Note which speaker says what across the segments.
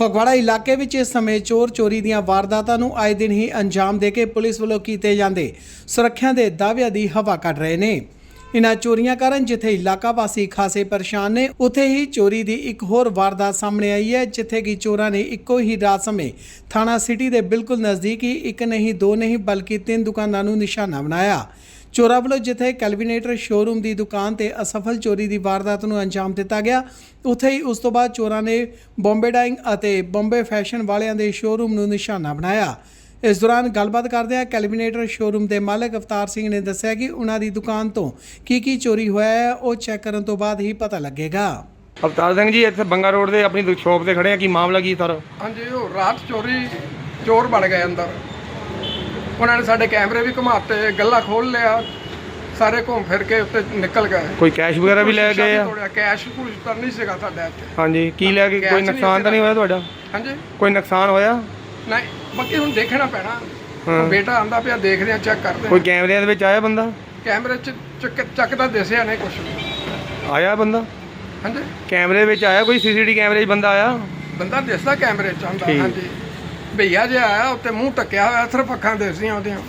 Speaker 1: ਫਗਵਾੜਾ ਇਲਾਕੇ ਵਿੱਚ ਇਸ ਸਮੇਂ ਚੋਰ ਚੋਰੀ ਦੀਆਂ ਵਾਰਦਾਤਾਂ ਨੂੰ ਆਏ ਦਿਨ ਹੀ ਅੰਜਾਮ ਦੇ ਕੇ ਪੁਲਿਸ ਵੱਲੋਂ ਕੀਤੇ ਜਾਂਦੇ ਸੁਰੱਖਿਆ ਦੇ ਦਾਅਵਿਆਂ ਦੀ ਹਵਾ ਕੱਢ ਰਹੇ ਨੇ। ਇਨ੍ਹਾਂ ਚੋਰੀਆਂ ਕਾਰਨ ਜਿੱਥੇ ਇਲਾਕਾ ਵਾਸੀ ਖਾਸੇ ਪਰੇਸ਼ਾਨ ਨੇ, ਉੱਥੇ ਹੀ ਚੋਰੀ ਦੀ ਇੱਕ ਹੋਰ ਵਾਰਦਾਤ ਸਾਹਮਣੇ ਆਈ ਹੈ, ਜਿੱਥੇ ਕਿ ਚੋਰਾਂ ਨੇ ਇੱਕੋ ਹੀ ਰਾਤ ਸਮੇਂ ਥਾਣਾ ਸਿਟੀ ਦੇ ਬਿਲਕੁਲ ਨਜ਼ਦੀਕ ਹੀ ਇੱਕ ਨਹੀਂ ਦੋ ਨਹੀਂ ਬਲਕਿ 3 ਦੁਕਾਨਾਂ ਨੂੰ ਨਿਸ਼ਾਨਾ ਬਣਾਇਆ। ਚੋਰਾਂ ਵੱਲੋਂ ਜਿੱਥੇ ਕੈਲਵੀਨੇਟਰ ਸ਼ੋਰੂਮ ਦੀ ਦੁਕਾਨ ਤੇ ਅਸਫਲ ਚੋਰੀ ਦੀ ਵਾਰਦਾਤ ਨੂੰ ਅੰਜਾਮ ਦਿੱਤਾ ਗਿਆ, ਉੱਥੇ ਹੀ ਉਸ ਤੋਂ ਬਾਅਦ ਚੋਰਾਂ ਨੇ ਬੰਬੇ ਡਾਈਂਗ ਅਤੇ ਬੰਬੇ ਫੈਸ਼ਨ ਵਾਲਿਆਂ ਦੇ ਸ਼ੋਰੂਮ ਨੂੰ ਨਿਸ਼ਾਨਾ ਬਣਾਇਆ। ਇਸ ਦੌਰਾਨ ਗੱਲਬਾਤ ਕਰਦਿਆਂ ਕੈਲਵੀਨੇਟਰ ਸ਼ੋਰੂਮ ਦੇ ਮਾਲਕ ਅਵਤਾਰ ਸਿੰਘ ਨੇ ਦੱਸਿਆ ਕਿ ਉਹਨਾਂ ਦੀ ਦੁਕਾਨ ਤੋਂ ਕੀ ਚੋਰੀ ਹੋਇਆ ਹੈ, ਉਹ ਚੈੱਕ ਕਰਨ ਤੋਂ ਬਾਅਦ ਹੀ ਪਤਾ ਲੱਗੇਗਾ।
Speaker 2: ਅਵਤਾਰ ਸਿੰਘ ਜੀ, ਇੱਥੇ ਬੰਗਾ ਰੋਡ ਤੇ ਆਪਣੀ ਸ਼ੋਪ ਤੇ ਖੜੇ ਆ, ਕੀ ਮਾਮਲਾ ਕੀ ਸਰ?
Speaker 3: ਹਾਂਜੀ, ਉਹ ਰਾਤ ਚੋਰ ਬਣ ਗਏ ਅੰਦਰ। ਉਹਨਾਂ ਨੇ ਸਾਡੇ ਕੈਮਰੇ ਵੀ ਘੁਮਾਤੇ, ਗੱਲਾ ਖੋਲ ਲਿਆ, ਸਾਰੇ ਘੁੰਮ ਫਿਰ ਕੇ ਉੱਤੇ ਨਿਕਲ ਗਏ।
Speaker 2: ਕੋਈ ਕੈਸ਼ ਵਗੈਰਾ ਵੀ ਲੈ ਗਏ ਆ?
Speaker 3: ਕੈਸ਼ ਕੁਝ ਤਾਂ ਨਹੀਂ ਸੀਗਾ ਸਾਡੇ ਇੱਥੇ।
Speaker 2: ਹਾਂਜੀ, ਕੀ ਲੈ ਕੇ? ਕੋਈ ਨੁਕਸਾਨ ਤਾਂ ਨਹੀਂ ਹੋਇਆ ਤੁਹਾਡਾ?
Speaker 3: ਹਾਂਜੀ, ਕੋਈ
Speaker 2: ਨੁਕਸਾਨ ਹੋਇਆ
Speaker 3: ਨਹੀਂ, ਬਾਕੀ ਹੁਣ ਦੇਖਣਾ ਪੈਣਾ। ਬੇਟਾ ਆਂਦਾ ਪਿਆ, ਦੇਖਦੇ ਆ, ਚੈੱਕ ਕਰਦੇ ਆ।
Speaker 2: ਕੋਈ ਕੈਮਰਿਆਂ ਦੇ ਵਿੱਚ ਆਇਆ ਬੰਦਾ?
Speaker 3: ਕੈਮਰੇ 'ਚ ਚੱਕਦਾ ਦਿਸਿਆ ਨਹੀਂ ਕੁਝ।
Speaker 2: ਆਇਆ ਬੰਦਾ?
Speaker 3: ਹਾਂਜੀ,
Speaker 2: ਕੈਮਰੇ ਵਿੱਚ ਆਇਆ ਕੋਈ? ਸੀਸੀਟੀ ਕੈਮਰੇ 'ਚ ਬੰਦਾ ਆਇਆ?
Speaker 3: ਬੰਦਾ ਦਿਸਦਾ ਕੈਮਰੇ 'ਚ ਆਂਦਾ। ਹਾਂਜੀ, ਭਈਆ ਜਿਹਾ ਆਇਆ, ਉੱਤੇ ਮੂੰਹ ਟੱਕਿਆ ਹੋਇਆ, ਸਿਰਫ ਅੱਖਾਂ ਦਿਸਦੀਆਂ ਉਹਦੀਆਂ।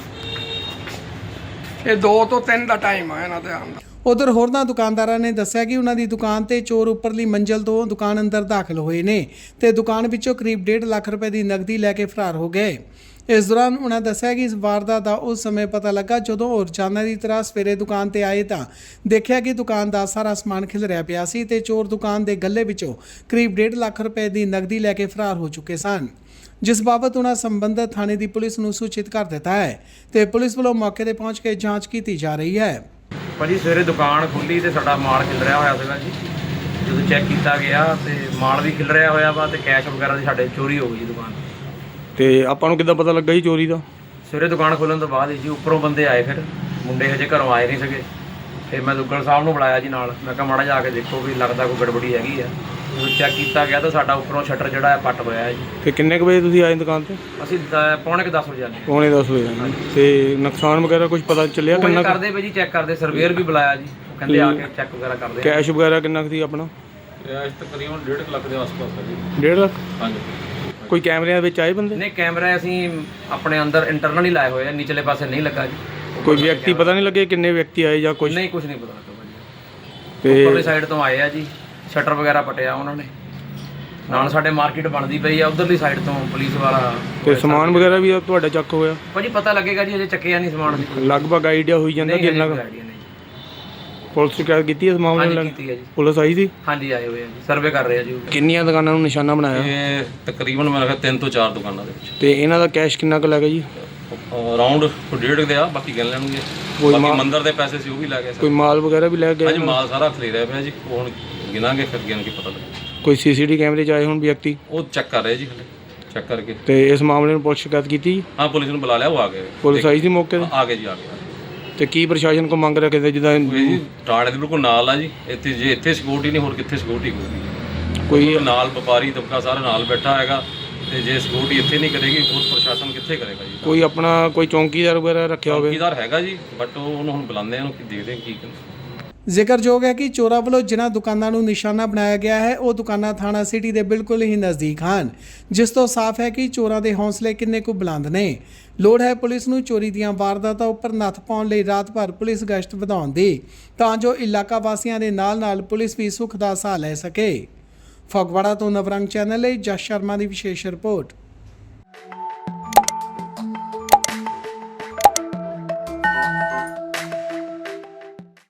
Speaker 3: ਇਹ 2 ਤੋਂ 3 ਦਾ ਟਾਈਮ ਆ ਇਹਨਾਂ ਦੇ ਆਉਣ ਦਾ।
Speaker 1: ਉਧਰ ਹੋਰਨਾਂ ਦੁਕਾਨਦਾਰਾਂ ਨੇ ਦੱਸਿਆ ਕਿ ਉਹਨਾਂ ਦੀ ਦੁਕਾਨ ਤੇ ਚੋਰ ਉੱਪਰਲੀ ਮੰਜ਼ਲ ਤੋਂ ਦੁਕਾਨ ਅੰਦਰ ਦਾਖਲ ਹੋਏ ਨੇ ਤੇ ਦੁਕਾਨ ਵਿੱਚੋਂ ਕਰੀਬ 1.5 ਲੱਖ ਰੁਪਏ ਦੀ ਨਕਦੀ ਲੈ ਕੇ ਫਰਾਰ ਹੋ ਗਏ। ਇਸ ਦੌਰਾਨ ਉਹਨਾਂ ਦੱਸਿਆ ਕਿ ਇਸ ਵਾਰਦਾਤ ਦਾ ਉਸ ਸਮੇਂ ਪਤਾ ਲੱਗਾ ਜਦੋਂ ਉਹ ਰੋਜ਼ਾਨਾ ਦੀ ਤਰ੍ਹਾਂ ਸਵੇਰੇ ਦੁਕਾਨ ਤੇ ਆਏ ਤਾਂ ਦੇਖਿਆ ਕਿ ਦੁਕਾਨ ਦਾ ਸਾਰਾ ਸਮਾਨ ਖਿਲਰਿਆ ਪਿਆ ਸੀ ਤੇ ਚੋਰ ਦੁਕਾਨ ਦੇ ਗੱਲੇ ਵਿੱਚੋਂ ਕਰੀਬ 1.5 ਲੱਖ ਰੁਪਏ ਦੀ ਨਕਦੀ ਲੈ ਕੇ ਫਰਾਰ ਹੋ ਚੁੱਕੇ ਸਨ, ਜਿਸ ਬਾਬਤ ਉਹਨਾਂ ਸੰਬੰਧਿਤ ਥਾਣੇ ਦੀ ਪੁਲਿਸ ਨੂੰ ਸੂਚਿਤ ਕਰ ਦਿੱਤਾ ਹੈ ਤੇ ਪੁਲਿਸ ਵੱਲੋਂ ਮੌਕੇ ਤੇ ਪਹੁੰਚ ਕੇ ਜਾਂਚ ਕੀਤੀ ਜਾ ਰਹੀ ਹੈ।
Speaker 4: ਭਾਜੀ, ਸਵੇਰੇ ਦੁਕਾਨ ਖੁੱਲੀ ਤੇ ਸਾਡਾ ਮਾਲ ਖਿਲਰਿਆ ਹੋਇਆ ਸੀਗਾ ਜੀ। ਜਦੋਂ ਚੈੱਕ ਕੀਤਾ ਗਿਆ ਤੇ ਮਾਲ ਵੀ ਖਿਲਰਿਆ ਹੋਇਆ ਵਾ ਤੇ ਕੈਸ਼ ਵਗੈਰਾ ਦੀ ਸਾਡੇ ਚੋਰੀ ਹੋ ਗਈ ਜੀ ਦੁਕਾਨ
Speaker 2: ਤੇ ਆਪਾਂ ਨੂੰ ਕਿੱਦਾਂ ਪਤਾ ਲੱਗਾ ਜੀ ਚੋਰੀ ਦਾ?
Speaker 4: ਸਵੇਰੇ ਦੁਕਾਨ ਖੋਲ੍ਹਣ ਤੋਂ ਬਾਅਦ ਜੀ ਉੱਪਰੋਂ ਬੰਦੇ ਆਏ, ਫਿਰ ਮੁੰਡੇ ਹਜੇ ਘਰੋਂ ਆਏ ਨਹੀਂ ਸੀਗੇ। ਫਿਰ ਮੈਂ ਦੁੱਗਲ ਸਾਹਿਬ ਨੂੰ ਬੁਲਾਇਆ ਜੀ ਨਾਲ। ਮੈਂ ਕਿਹਾ ਮਾੜਾ ਜਾ ਕੇ ਦੇਖੋ ਵੀ ਲੱਗਦਾ ਕੋਈ ਗੜਬੜੀ ਹੈਗੀ ਆ। ਜਦੋਂ ਚੈੱਕ ਕੀਤਾ ਗਿਆ ਤਾਂ ਸਾਡਾ ਉੱਪਰੋਂ ਸ਼ਟਰ ਜਿਹੜਾ ਹੈ ਪੱਟ ਹੋਇਆ ਹੈ ਜੀ।
Speaker 2: ਤੇ ਕਿੰਨੇ ਕੁ ਵਜੇ ਤੁਸੀਂ ਆਏ ਦੁਕਾਨ ਤੇ?
Speaker 4: ਅਸੀਂ ਪੌਣੇ ਕੁ 10 ਵਜੇ ਆਏ।
Speaker 2: ਪੌਣੇ 10 ਵਜੇ। ਤੇ ਨੁਕਸਾਨ ਵਗੈਰਾ ਕੁਝ ਪਤਾ ਚੱਲਿਆ ਕਿੰਨਾ
Speaker 4: ਕਰਦੇ ਪਏ ਜੀ? ਚੈੱਕ ਕਰਦੇ, ਸਰਵੇਅਰ ਵੀ ਬੁਲਾਇਆ ਜੀ, ਕਹਿੰਦੇ ਆ ਕੇ ਚੈੱਕ ਵਗੈਰਾ ਕਰਦੇ।
Speaker 2: ਕੈਸ਼ ਵਗੈਰਾ ਕਿੰਨਾ ਕੁ ਸੀ ਆਪਣਾ?
Speaker 4: ਕੈਸ਼ ਤਕਰੀਬਨ 1.5 ਲੱਖ ਦੇ ਆਸ-ਪਾਸ ਹੈ ਜੀ।
Speaker 2: 1.5 ਲੱਖ?
Speaker 4: ਹਾਂਜੀ।
Speaker 2: ਕੋਈ ਕੈਮਰਿਆਂ ਵਿੱਚ ਆਏ ਬੰਦੇ?
Speaker 4: ਨਹੀਂ, ਕੈਮਰਾ ਅਸੀਂ ਆਪਣੇ ਅੰਦਰ ਇੰਟਰਨਲੀ ਲਾਏ ਹੋਏ ਆ, ਨੀਚਲੇ ਪਾਸੇ ਨਹੀਂ ਲੱਗਾ ਜੀ।
Speaker 2: ਕੋਈ ਵਿਅਕਤੀ ਪਤਾ ਨਹੀਂ ਲੱਗੇ ਕਿੰਨੇ ਵਿਅਕਤੀ ਆਏ ਜਾਂ ਕੁਝ?
Speaker 4: ਨਹੀਂ, ਕੁਝ ਨਹੀਂ ਪਤਾ ਲੱਗਾ ਭਾਜੀ। ਤੇ ਉੱਪਰਲੀ ਸਾਈਡ ਤੋਂ ਆਏ ਆ ਜੀ, ਸ਼ਟਰ ਵਗੈਰਾ ਪਟਿਆ ਉਹਨਾਂ ਨੇ। ਨਾਲ ਸਾਡੇ ਮਾਰਕੀਟ ਬਣਦੀ ਪਈ ਆ, ਉਧਰਲੀ ਸਾਈਡ ਤੋਂ ਪੁਲਿਸ ਵਾਲਾ।
Speaker 2: ਤੇ ਸਮਾਨ ਵਗੈਰਾ ਵੀ ਤੁਹਾਡਾ ਚੱਕ ਹੋਇਆ?
Speaker 4: ਭਾਜੀ ਪਤਾ ਲੱਗੇਗਾ ਜੀ, ਅਜੇ ਚੱਕਿਆ ਨਹੀਂ ਸਮਾਨ।
Speaker 2: ਲਗਭਗ ਆਈਡੀਆ ਹੋਈ ਜਾਂਦਾ ਕਿ ਇੰਨਾ ਪੁਲਿਸ ਸ਼ਿਕਾਇਤ ਕੀਤੀ ਇਸ ਮਾਮਲੇ ਨੂੰ?
Speaker 4: ਕੀਤੀ ਹੈ ਜੀ।
Speaker 2: ਪੁਲਿਸ ਆਈ ਸੀ?
Speaker 4: ਹਾਂਜੀ, ਆਏ ਹੋਏ ਆ ਜੀ, ਸਰਵੇ ਕਰ ਰਹੇ ਆ ਜੀ।
Speaker 2: ਕਿੰਨੀਆਂ ਦੁਕਾਨਾਂ ਨੂੰ ਨਿਸ਼ਾਨਾ ਬਣਾਇਆ?
Speaker 5: ਇਹ ਤਕਰੀਬਨ ਮੇਰਾ 3 ਤੋਂ 4 ਦੁਕਾਨਾਂ ਦੇ ਵਿੱਚ।
Speaker 2: ਤੇ ਇਹਨਾਂ ਦਾ ਕੈਸ਼ ਕਿੰਨਾ ਕੁ ਲੱਗਾ ਜੀ?
Speaker 5: ਅਰਾਊਂਡ 1.5 ਦੇ ਆ, ਬਾਕੀ ਗਿਣ ਲੈਣਗੇ। ਬਾਕੀ ਮੰਦਰ ਦੇ ਪੈਸੇ ਸੀ ਉਹ ਵੀ ਲੈ ਗਏ।
Speaker 2: ਕੋਈ ਮਾਲ ਵਗੈਰਾ ਵੀ ਲੈ ਗਏ?
Speaker 5: ਹਾਂਜੀ, ਮਾਲ ਸਾਰਾ ਖਰੀਦਿਆ ਪਿਆ ਜੀ। ਉਹ ਹੁਣ ਗਿਣਾਂਗੇ, ਫਿਰ ਗਿਣ ਕੇ ਪਤਾ ਲੱਗੇਗਾ।
Speaker 2: ਕੋਈ ਸੀਸੀਟੀ ਕੈਮਰੇ 'ਚ ਆਏ ਹੁਣ ਵਿਅਕਤੀ?
Speaker 5: ਉਹ ਚੈੱਕ ਕਰ ਰਹੇ ਜੀ, ਹਲੇ ਚੈੱਕ ਕਰਕੇ।
Speaker 2: ਤੇ ਇਸ ਮਾਮਲੇ ਨੂੰ ਪੁਲਿਸ ਸ਼ਿਕਾਇਤ ਕੀਤੀ?
Speaker 5: ਹਾਂ, ਪੁਲਿਸ ਨੂੰ ਬੁਲਾ ਲਿਆ, ਉਹ ਆ ਗਏ।
Speaker 2: ਪੁਲਿਸ ਆਈ ਸੀ ਮੌਕੇ ਤੇ?
Speaker 5: ਆ ਗਏ ਜੀ, ਆ ਗਏ।
Speaker 2: ਤੇ ਕੀ ਪ੍ਰਸ਼ਾਸਨ ਕੋ ਮੰਗ ਰੱਖਦੇ ਜਿੱਦਾਂ
Speaker 5: ਜੀ ਟਾੜੇ ਦੇ ਬਿਲਕੁਲ ਨਾਲ ਆ ਜੀ। ਇੱਥੇ ਜੇ ਇੱਥੇ ਸਿਕਿਉਰਿਟੀ ਨਹੀਂ, ਹੋਰ ਕਿੱਥੇ ਸਿਕਿਉਰਿਟੀ ਹੋਊਗੀ?
Speaker 2: ਕੋਈ
Speaker 5: ਨਾਲ ਵਪਾਰੀ ਤਬਕਾ ਸਾਰਾ ਨਾਲ ਬੈਠਾ ਹੈਗਾ, ਤੇ ਜੇ ਸਿਕਿਉਰਿਟੀ ਇੱਥੇ ਨਹੀਂ ਕਰੇਗੀ, ਹੋਰ ਪ੍ਰਸ਼ਾਸਨ ਕਿੱਥੇ ਕਰੇਗਾ ਜੀ?
Speaker 2: ਕੋਈ ਆਪਣਾ ਕੋਈ ਚੌਂਕੀਦਾਰ ਵਗੈਰਾ ਰੱਖਿਆ ਹੋਵੇ?
Speaker 5: ਚੌਕੀਦਾਰ ਹੈਗਾ ਜੀ, ਬਟ ਉਹਨੂੰ ਹੁਣ ਬੁਲਾਉਂਦੇ ਆ, ਉਹਨੂੰ ਦੇਖਦੇ ਕੀ ਕਹਿੰਦੇ।
Speaker 1: ਜ਼ਿਕਰਯੋਗ ਹੈ ਕਿ ਚੋਰਾਂ ਵੱਲੋਂ ਜਿਨ੍ਹਾਂ ਦੁਕਾਨਾਂ ਨੂੰ ਨਿਸ਼ਾਨਾ ਬਣਾਇਆ ਗਿਆ ਹੈ, ਉਹ ਦੁਕਾਨਾਂ ਥਾਣਾ ਸਿਟੀ ਦੇ ਬਿਲਕੁਲ ਹੀ ਨਜ਼ਦੀਕ ਹਨ, ਜਿਸ ਤੋਂ ਸਾਫ਼ ਹੈ ਕਿ ਚੋਰਾਂ ਦੇ ਹੌਸਲੇ ਕਿੰਨੇ ਕੁ ਬੁਲੰਦ ਨੇ। ਲੋੜ ਹੈ ਪੁਲਿਸ ਨੂੰ ਚੋਰੀ ਦੀਆਂ ਵਾਰਦਾਤਾਂ ਉੱਪਰ ਨੱਥ ਪਾਉਣ ਲਈ ਰਾਤ ਭਰ ਪੁਲਿਸ ਗਸ਼ਤ ਵਧਾਉਣ ਦੀ, ਤਾਂ ਜੋ ਇਲਾਕਾ ਵਾਸੀਆਂ ਦੇ ਨਾਲ ਪੁਲਿਸ ਵੀ ਸੁੱਖ ਦਾ ਸਾਹ ਲੈ ਸਕੇ। ਫਗਵਾੜਾ ਤੋਂ ਨਵਰੰਗ ਚੈਨਲ ਲਈ ਜਸ ਸ਼ਰਮਾ ਦੀ ਵਿਸ਼ੇਸ਼ ਰਿਪੋਰਟ।